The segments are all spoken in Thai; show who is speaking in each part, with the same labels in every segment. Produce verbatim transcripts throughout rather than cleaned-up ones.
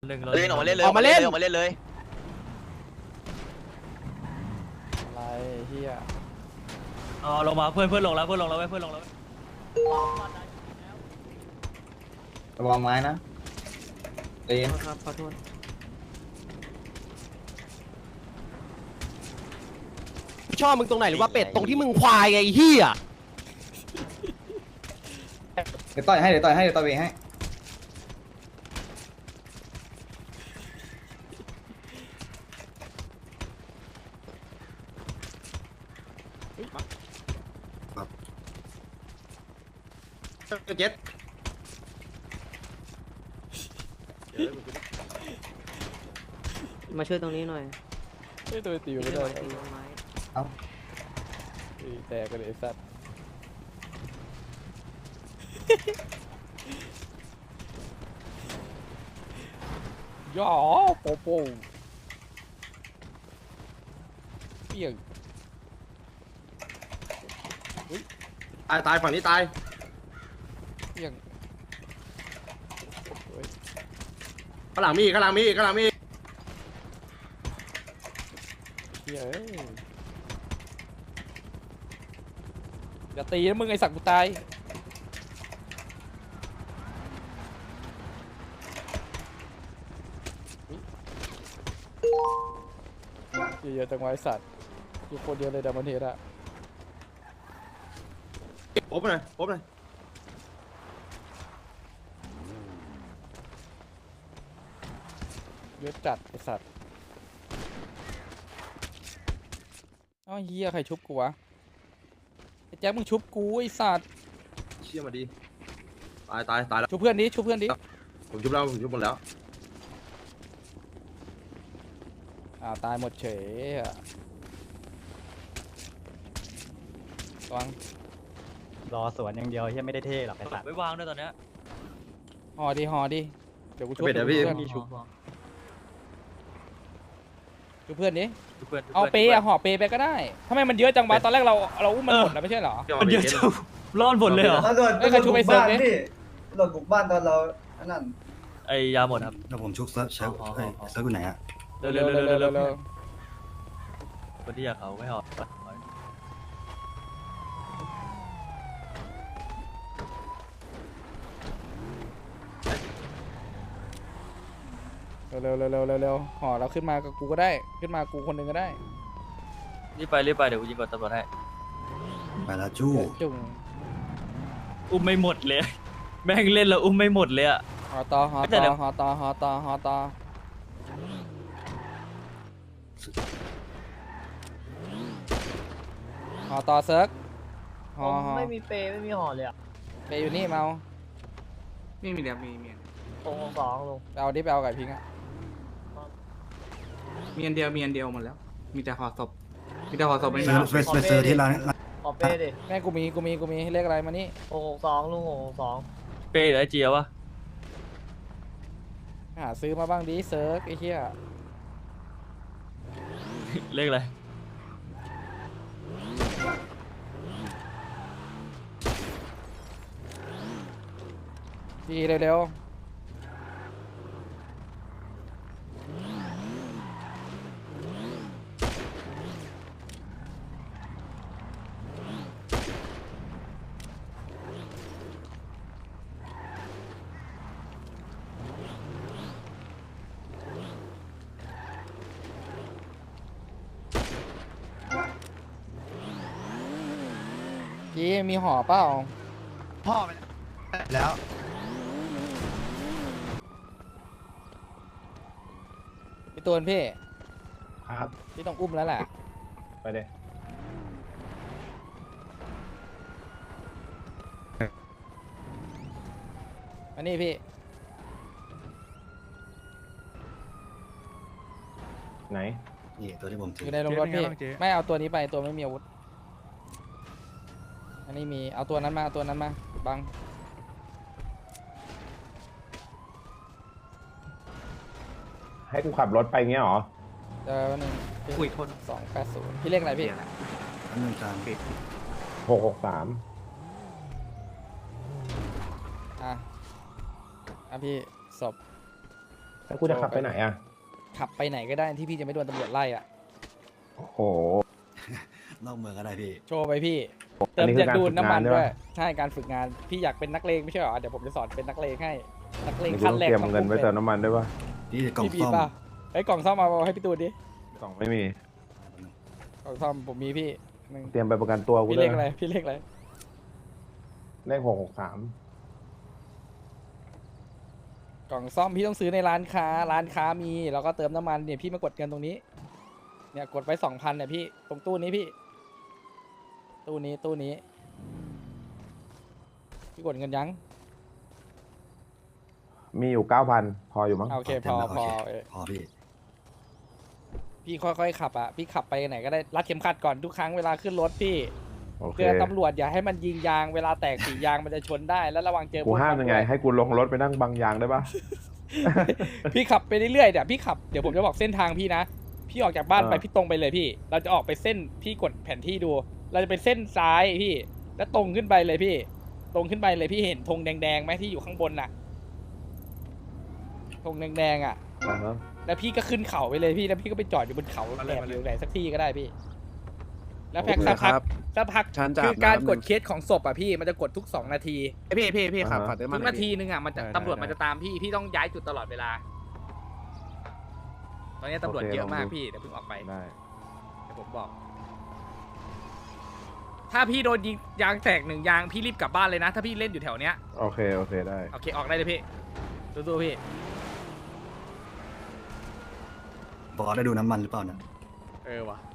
Speaker 1: เล่นออกมาเล่นเลยออกมาเล่นออกมาเล่นเลย
Speaker 2: อะไรเฮีย
Speaker 3: อ๋อลงมาเพื่อนเพื่อนลงแล้วเพื่อนลงแล้วเพื่อนลงแล้ว
Speaker 4: ระวังไม้นะเอ็น
Speaker 2: ครับขอโทษชอบมึงตรงไหนหรือว่าเป็ดตรงที่มึงควายไงเฮีย
Speaker 4: เดี๋ยวต่อยให้เดี๋ยวต่อยให้เดี๋ยวต่อยเองให้เจ็ด
Speaker 5: มาช่วยตรงนี้หน่อย
Speaker 2: ไม่ตัวตีไม่ได้
Speaker 5: ตีต้นไม้
Speaker 4: เอา
Speaker 2: ตีแตกกันเลยไอ้สัตว์ย่อโปโป้เปี้ยง
Speaker 4: ตายตายฝั่งนี้ตาย
Speaker 2: เปี้ยง
Speaker 4: ข้างหลังมีข้างหลังมีข้างหลังมี
Speaker 2: เปี้ยเอ้ยอย่าตีนะมึงไอ้สัตว์กูตายเยอะๆจังวะไอ้สัตว์อยู่คนเดียวเลยดัมเบิลเฮดอะ
Speaker 4: โอ๊บหน่อยโอ๊บหน่อย
Speaker 2: เยอะจัดไอ้สัตว์อ้าวเฮียใครชุบกูวะไอ้แจ็คมึงชุบกูไอ้สัตว์
Speaker 4: เชี่ยมาดีตายตายตายแล้ว
Speaker 2: ชุบเพื่อนดิชุบเพื่อนดิ
Speaker 4: ผมชุบแล้วผมชุบหมดแล้ว
Speaker 2: อ่าวตายหมดเฉยอะระวัง
Speaker 3: รอสวนอย่างเดียวที่ไม่ได้เท่หรอกไอ้สัตว์ไม่วางด้วยตอนเนี้ย
Speaker 2: ห่อดิห่อดิเดี๋ยวกูชุบ
Speaker 4: เดี๋ยวพี่
Speaker 2: เพื่อน
Speaker 3: มีชุบ
Speaker 2: ชุบเพื่อนดิ
Speaker 3: เพื่อน
Speaker 2: เอาเปย์อะห่อเปย์ไปก็ได้ทำไมมันเยอะจังวะตอนแรกเราเราอุ้มมันหมดแล้วไม่ใช่เหรอ
Speaker 3: มันเยอะจังรอดหมดเลยเหรอ
Speaker 6: ตำรวจ
Speaker 2: เอ้ยใครชุบไอ้เซิร์ฟดิ
Speaker 6: พี่ตำรวจบุกบ้านตอนเราอันนั้น
Speaker 3: ไอ้ยาหมดครับ
Speaker 7: เดี๋ยวผมชุกเซิร์ฟเซิร์ฟ
Speaker 3: อ๋อ
Speaker 7: เอ้ยเซิร์ฟอยู่ไหนอะ
Speaker 3: เร็วเร็วเร็วเร็วเร็ว
Speaker 2: เร็ว
Speaker 3: คนที่อยากเขาไม่หอด
Speaker 2: เร็วเร็วเร็วเร็วเร็วเร็วห่อเราขึ้นมากับกูก็ได้ขึ้นมากูคนหนึ่งก็ได้
Speaker 3: รีบไปรีบไปเดี๋ยวกูยิงกดตำรวจให้
Speaker 7: ไปแล้วจู้
Speaker 2: จุ่ง
Speaker 3: อุ้มไม่หมดเลยแม่งเล่นแล้วอุ้มไม่หมดเลยอะ
Speaker 2: ห่อต่อห่อ
Speaker 3: แต่
Speaker 2: ต่
Speaker 3: เดี๋
Speaker 2: อ
Speaker 3: ยว
Speaker 2: ห่อต่อห่อต่อห่อต่อห่อต่อเซิร์กห่อห่อ
Speaker 5: ไม่มีเปย์ไม่มีห่อเลยอ่ะ
Speaker 2: ไปอยู่นี่เมา
Speaker 6: มีมีเดียวมีมี
Speaker 5: โอ้สองลง
Speaker 2: ไปเอาดิไปเอาไก่พิงอะ
Speaker 6: มีอันเดียวมีอันเดียวหมดแล้ว มีแต่ห่อศพมีแต่ห่อศพไม่
Speaker 7: เซิ
Speaker 6: มี
Speaker 7: ร์ฟไปไปเซิร์ฟที่ร้านร้าน
Speaker 5: ขอเปย์ดิ
Speaker 2: แม่กูมีกูมีกูมีเลขอะไรมานี่
Speaker 5: โอ้สองลุงโอ้สอง
Speaker 3: เป้หรือไอเจียวะ
Speaker 2: หาซื้อมาบ้างดิเซิร์กไอ้เหี้ย
Speaker 3: เลขอะไร
Speaker 2: ดีเร็วๆพี่มีห่อเปล่า
Speaker 4: พ่อไปแล้ว
Speaker 2: พี่ตูนพี่
Speaker 4: ครับ
Speaker 2: พี่ต้องอุ้มแล้วแหละ
Speaker 4: ไปเลย
Speaker 2: อันนี้พี่
Speaker 4: ไหน
Speaker 7: นี่ตัวที่ผม
Speaker 2: อ
Speaker 7: ถือยู่
Speaker 2: ในโรงรถพี่ไม่เอาตัวนี้ไปตัวไม่มีอาวุธอันนี้มีเอาตัวนั้นมาเอาตัวนั้นมาบัง
Speaker 8: ให้กูขับรถไปเงี้ยเหรอ
Speaker 2: เจอวันหนึ่ง
Speaker 6: อุ้ยโทษ
Speaker 2: สองแปดศูนย์พี่เลขอะไรพี่
Speaker 7: อันนึงจาน
Speaker 8: หกหกสาม
Speaker 2: อ่ะอ่ะพี่ศพ
Speaker 8: แล้วกูจะขับไปไหนอ่ะ
Speaker 2: ขับไปไหนก็ได้ที่พี่จะไม่โดนตำรวจไล่อ่ะ
Speaker 8: โอ้โห
Speaker 7: นอกเมืองก็ได้พี่
Speaker 2: โชว์ไปพี่
Speaker 8: อั
Speaker 2: เติ
Speaker 8: น
Speaker 2: ม
Speaker 8: นี้คือ
Speaker 2: จะดูดน้ำมัน
Speaker 8: การฝึกงาน
Speaker 2: ด้วย
Speaker 8: ใช่ปะ
Speaker 2: ใช่การฝึกงานพี่อยากเป็นนักเลงไม่ใช่เหรอเดี๋ยวผมจะสอนเป็นนักเลงให้นักเลง
Speaker 8: นี่กู
Speaker 2: ขั้น
Speaker 8: ต้อง
Speaker 2: แรก
Speaker 8: เตรียม
Speaker 2: ต้อง
Speaker 8: เงินไว้
Speaker 2: ป็
Speaker 8: เติมน้ำมันด้วยปะ
Speaker 7: พี่กล่อง
Speaker 2: พี่บี
Speaker 7: ซ่อม
Speaker 2: ป่ะไอ้ยกล่องซ่อมมาเอาให้พี่ตูนดิ
Speaker 8: กล่องไม่มี
Speaker 2: กล่องซ่อมผมมีพี่หนึ่ง
Speaker 8: เตรียมไปประกันตัวกู
Speaker 2: พี่
Speaker 8: ด้
Speaker 2: เล
Speaker 8: วย
Speaker 2: ขอะไรพี่เลขอะไร
Speaker 8: เลขหกหกสาม
Speaker 2: กล่องซ่อมพี่ต้องซื้อในร้านค้าร้านค้ามีแล้วก็เติมน้ำมันเนี่ยพี่มากดเงินตรงนี้เนี่ยกดไว้สองพันเนี่ยพี่ตรงตู้นี้พี่ ตู้นี้ตู้นี้พี่กดเงินยัง
Speaker 8: มีอยู่เก้าพันพออยู่มั้ง
Speaker 2: โอเคพ
Speaker 7: ต็ม
Speaker 2: อ
Speaker 7: แล้ว
Speaker 2: พอ
Speaker 7: โเค
Speaker 2: เออ
Speaker 7: พอพี่
Speaker 2: พี่ค่อยๆขับอ่ะพี่ขับไปไหนก็ได้รัดเข็มขัดก่อนทุกครั้งเวลาขึ้นรถพี่
Speaker 8: โอเค
Speaker 2: เตือนตำรวจอย่าให้มันยิงยางเวลาแตกสียางมันจะชนได้แล้วระวังเจอ
Speaker 8: กู
Speaker 2: พว
Speaker 8: ห้ามยังไง
Speaker 2: ตำรวจ
Speaker 8: ให้กูลงรถไปนั่งบังยางได้ปะ
Speaker 2: พี่ขับไปเรื่อยๆเดี๋ยวพี่ขับเดี๋ยวผมจะบอกเส้นทางพี่นะพี่ออกจากบ้านไป
Speaker 8: อ่า
Speaker 2: พี่ตรงไปเลยพี่ เราจะออกไปเส้นพี่กดแผนที่ดู เราจะเป็นเส้นซ้ายพี่ แล้วตรงขึ้นไปเลยพี่ ตรงขึ้นไปเลยพี่เห็นธงแดงๆไหมที่อยู่ข้างบนน่ะธงแดงๆอ่ะ
Speaker 8: อ่าฮะ
Speaker 2: แล้วพี่ก็ขึ้นเขาไปเลยพี่แล้วพี่ก็ไปจอดอยู่บนเขาแอบอยู่ไหนสักที่ก็ได้พี่ แล้วแพ็กสักพักสักพัก
Speaker 6: ฉันจะ
Speaker 2: คือการ
Speaker 6: อาบน้ำ
Speaker 2: กดเคสของศพอ่ะพี่มันจะกดทุกสองนาที
Speaker 6: พี่พี่พี่ขับขับเติม
Speaker 2: ทุ
Speaker 6: มัน
Speaker 2: กนาทีนึงอ่ะมันจะตำรวจมันจะตามพี่พี่ต้องย้ายจุดตลอดเวลา ตอนนี้ตำรวจเยอะมากพี่เดี๋ยวเพิ่งออกไป
Speaker 8: ได้
Speaker 2: เดี๋ยวผมบอก ถ้าพี่โดนยิงยางแตกหนึ่งยางพี่รีบกลับบ้านเลยนะ ถ้าพี่เล่นอยู่แถวเนี้ย
Speaker 8: โอเคโอเคได้
Speaker 2: โอเคออกได้เลยพี่สู้ๆพี่
Speaker 7: บอสได้ดูน้ำมันหรือเปล่านะ
Speaker 2: เออวะ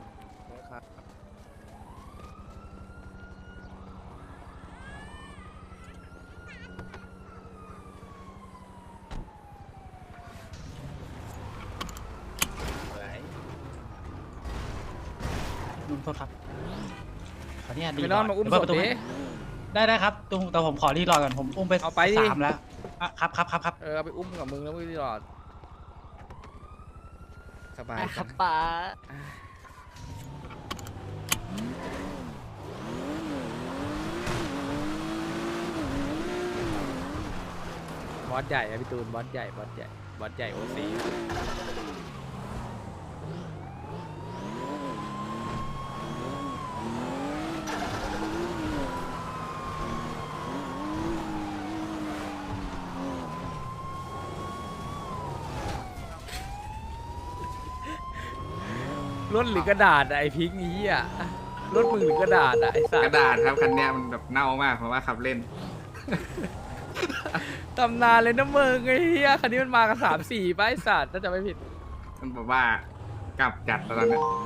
Speaker 2: อะไร
Speaker 9: ลุงโทษครับ ขออนุญาตดี
Speaker 2: ไม่นอนมาอุ้มศพดิ
Speaker 9: ได้ได้ครับตุงแต่ผมขอรีรอก่อนผมอุ้มไป
Speaker 2: เอาไปดิ
Speaker 9: สามแล้วอ่ะครับครับครับครับ
Speaker 2: เออเอาไปอุ้มกับมึงแล้วมึงตลอดสบาย
Speaker 5: ค
Speaker 2: จั
Speaker 5: รับ
Speaker 2: ง
Speaker 5: ป๋า
Speaker 2: บอสใหญ่อะพี่ตูนบอสใหญ่บอสใหญ่บอสใหญ่โอซีรถหรือกระดาษอะไอพิงค์นี้อ่ะรถมือหรือกระดาษอะไอสัต
Speaker 6: กระ
Speaker 2: ว์
Speaker 6: ดาษครับคันเนี้ยมันแบบเน่ามากเพราะว่าขับเล่น
Speaker 2: ตำนานเลยนะมึงไอ้เหี้ยคันนี้มันมากันสามสี่ป้ายสัตว์ถ้าจะไม่ผิด
Speaker 6: มันบอกว่ากลับจัดตอนนั้น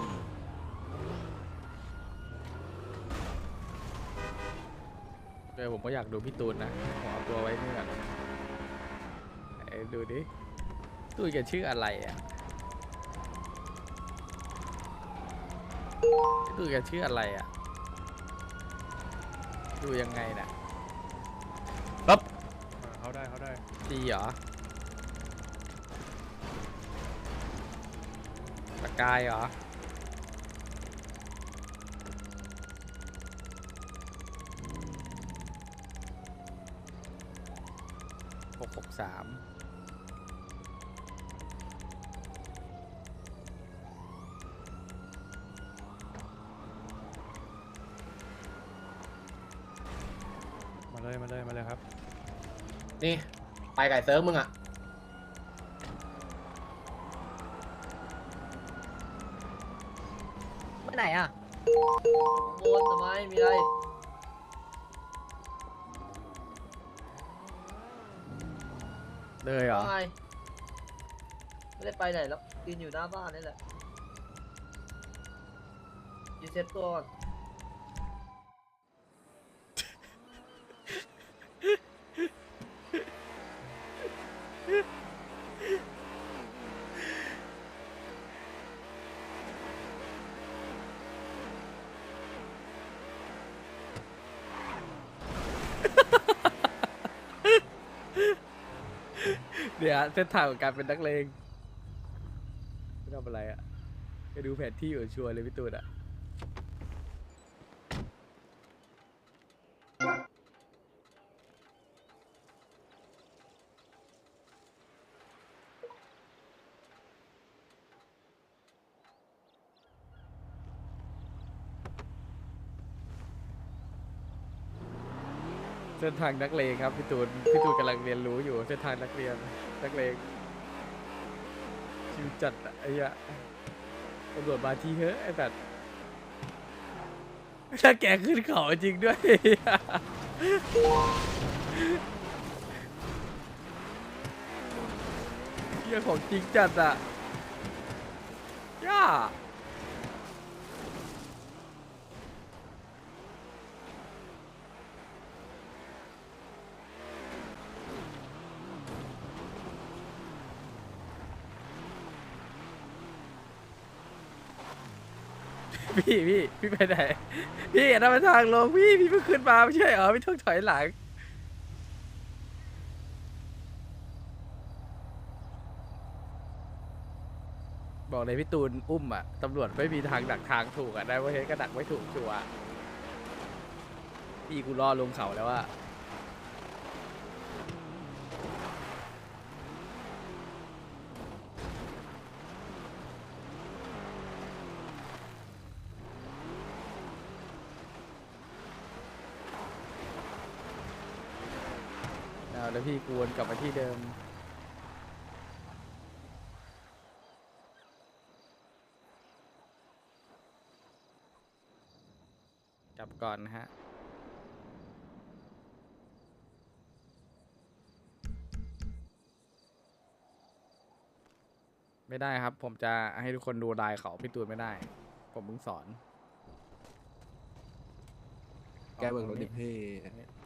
Speaker 2: เออผมก็อยากดูพี่ตูนนะผมเอาตัวไว้นี่ก่อนไอ้ดูดิตูนแกชื่ออะไรอ่ะตูนแกชื่ออะไรอ่ะดูยังไงน่ะปั๊บเขาได้เขาได้ดีเหรอสกายเหรอหกหกสามมาเลยมาเลยมาเลยครับ
Speaker 5: นี่ไปไก่เซิร์ฟมึงอ่ะไปไหนอ่ะวนทำไมมีอะไร
Speaker 2: เลยเหรอ
Speaker 5: ไม่ไม่ได้ไปไหนแล้วยืนอยู่หน้าบ้านนี่แหละยืนเซ็ตตัวก่อน
Speaker 2: เดี๋ยวเส้นทางของการเป็นนักเลงไม่ทำอะไรอ่ะไปดูแผนที่อยู่ชัวร์เลยพี่ตูนอ่ะส้นทางนักเลงครับพี่ตูนพี่ตูนกำลังเรียนรู้อยู่เส้นทางนักเรียนนักเลงชิวจัดอะไอ้เหี้ยตำรวจมาทีเฮ้ยไอ้แบบถ้าแกขึ้นเขาจริงด้วยเหี้ยของจริงจัดอะย่าพี่พี่พี่ไปไหนพี่อันนั้นมันทางลงพี่พี่เพิ่งขึ้นมาไม่ใช่เหรอพี่ต้องถอยหลังบอกเลยพี่ตูนอุ้มอ่ะตำรวจไม่มีทางดักทางถูกอ่ะได้ว่าเฮ้ยก็ดักไม่ถูกชัวร์พี่กูรอลงเขาแล้วว่าเอาแล้วพี่กวนกลับมาที่เดิมกลับก่อนนะฮะไม่ได้ครับผมจะให้ทุกคนดูลายเขาพี่ตูนไม่ได้ผมเพิ่งสอน
Speaker 10: แกเบิกรถดิพี่